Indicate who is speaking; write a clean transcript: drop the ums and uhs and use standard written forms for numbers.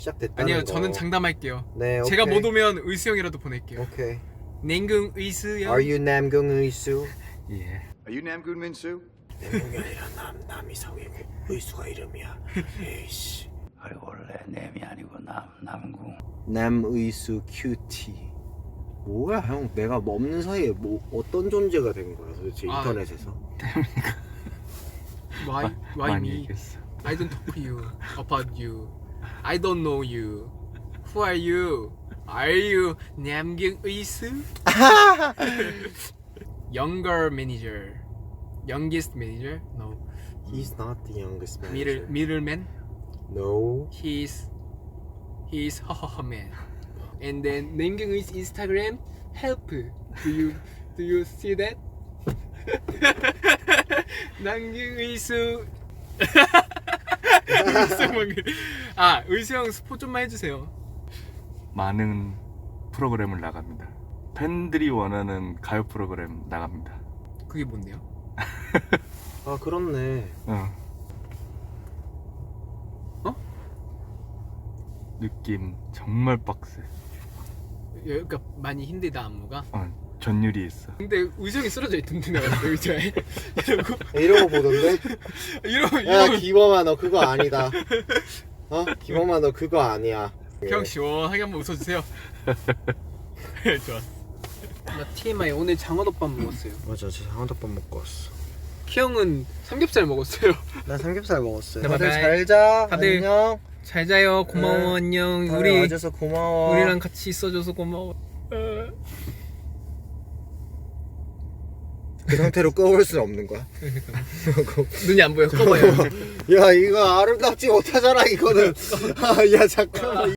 Speaker 1: 시작됐다는
Speaker 2: 아니요,
Speaker 1: 거.
Speaker 2: 저는 장담할게요.
Speaker 1: 네,
Speaker 2: 제가
Speaker 1: 오케이.
Speaker 2: 못 오면 의수 형이라도 보낼게요.
Speaker 1: 오케이.
Speaker 2: 냉궁 의수 형.
Speaker 1: Are you 남궁 의수?
Speaker 3: 예.
Speaker 4: Are you Namgoon Minsu?
Speaker 1: 남궁이 아니라 남이성이고 의수가 이름이야. 에이씨.
Speaker 3: 그래 원래 nem이 아니고 남궁.
Speaker 1: 남의수 큐티. 뭐야 형? 내가 없는 사이에 뭐 어떤 존재가 된 거야 도대체
Speaker 2: 아.
Speaker 1: 인터넷에서?
Speaker 2: Why
Speaker 3: 많이
Speaker 2: me?
Speaker 3: 얘기했어.
Speaker 2: I don't talk to you about you. I don't know you. Who are you? Are you 남궁 의수? Younger manager. Youngest manager? No.
Speaker 1: He's not the youngest manager.
Speaker 2: Middleman?
Speaker 1: No.
Speaker 2: He's man. And then 남궁 의수 Instagram help. Do you see that? 남궁 의수 아 의수 형 스포 좀만 해주세요.
Speaker 3: 많은 프로그램을 나갑니다. 팬들이 원하는 가요 프로그램 나갑니다.
Speaker 2: 그게 뭔데요?
Speaker 1: 아 그렇네.
Speaker 3: 느낌 정말 빡세.
Speaker 2: 그러니까 많이 힘들다 안무가.
Speaker 3: 전율이 있어.
Speaker 2: 근데 의수 형이 쓰러져 있던데 내가 의자에
Speaker 1: 이러고 보던데?
Speaker 2: 이러고
Speaker 1: 야 기범아 너 그거 아니다. 어? 기범아 너 그거 아니야.
Speaker 2: 그냥 시원하게 한번 웃어주세요. 좋았어. 나 TMI 오늘 장어덮밥 먹었어요.
Speaker 1: 맞아 저 장어덮밥 먹고 왔어.
Speaker 2: 키 형은 삼겹살 먹었어요.
Speaker 1: 나 삼겹살 먹었어요.
Speaker 2: 네,
Speaker 1: 다들
Speaker 2: 바이바이.
Speaker 1: 잘자.
Speaker 2: 다들
Speaker 1: 안녕.
Speaker 2: 잘 자요. 고마워.
Speaker 1: 네.
Speaker 2: 안녕.
Speaker 1: 다들
Speaker 2: 우리
Speaker 1: 와줘서 고마워.
Speaker 2: 우리랑 같이 있어줘서 고마워.
Speaker 1: 그 상태로 꺼올 수는 없는 거야.
Speaker 2: 눈이 안 보여. 꺼봐요.
Speaker 1: 야 이거 아름답지 못하잖아 이거는. 야 잠깐만.